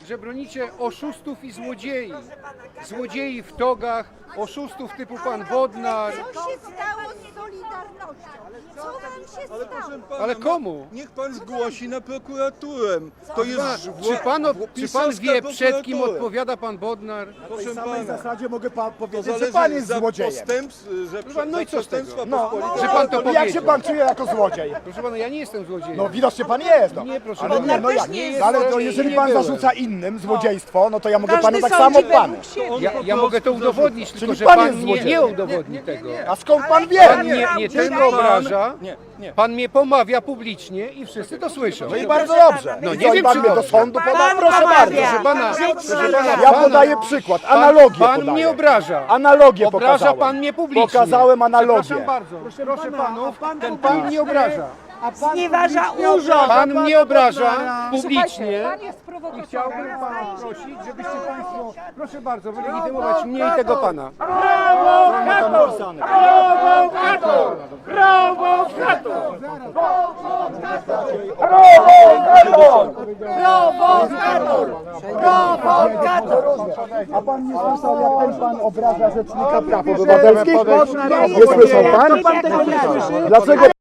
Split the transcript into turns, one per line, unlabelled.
że bronicie oszustów i złodziei. Złodziei w togach, oszustów typu pan Bodnar.
Co się stało z Solidarnością? Co wam się
Ale
stało?
proszę pana,
Ale komu?
Niech pan zgłosi na prokuraturę. To jest
Czy pan wie, przed kim
prokuratura.
odpowiada pan Bodnar?
Proszę
W samej
pana,
zasadzie mogę
to
powiedzieć, że
zależy
pan jest
za
złodziejem.
No i co z tego?
No,
Że pan to
jak
powiedział.
się pan czuje jako złodziej?
Proszę pana, ja nie jestem złodziejem.
No widocznie pan jest. No.
Nie, proszę
ale
pana.
nie, no jak?
Nie
No,
jest
ale to
złodziejem,
jeżeli
nie
pan
byłem.
zarzuca innym złodziejstwo, no to ja mogę
Każdy
panu tak
sądzi
samo pan.
według siebie.
Ja mogę to udowodnić, tylko
Czyli
że
pan
pan
jest
nie
złodziejem.
udowodni tego.
A skąd pan wie?
Pan nie ten obraża,
Nie.
pan mnie pomawia publicznie i wszyscy to słyszą.
No i bardzo dobrze.
No
No
nie
nie
wiem,
pan
czy
mnie do
dobrze.
sądu poda?
Pan
Proszę
pomawia.
bardzo.
Proszę pana,
Ja podaję przykład, analogię
Pan
podaję.
mnie obraża.
Analogię
Obraża
pokazałem.
pan mnie publicznie.
Pokazałem analogię.
Przepraszam bardzo. Proszę panów, ten pan mnie obraża.
Znieważa urząd.
Pan mnie obraża publicznie.
Pan jest
I
prowokatorem.
chciałbym pana prosić, żebyście państwo, proszę bardzo, wylegitymować mnie i tego pana.
A pan nie słyszał, jak ten pan obraża rzecznika praw obywatelskich? Nie słyszał pan? Dlaczego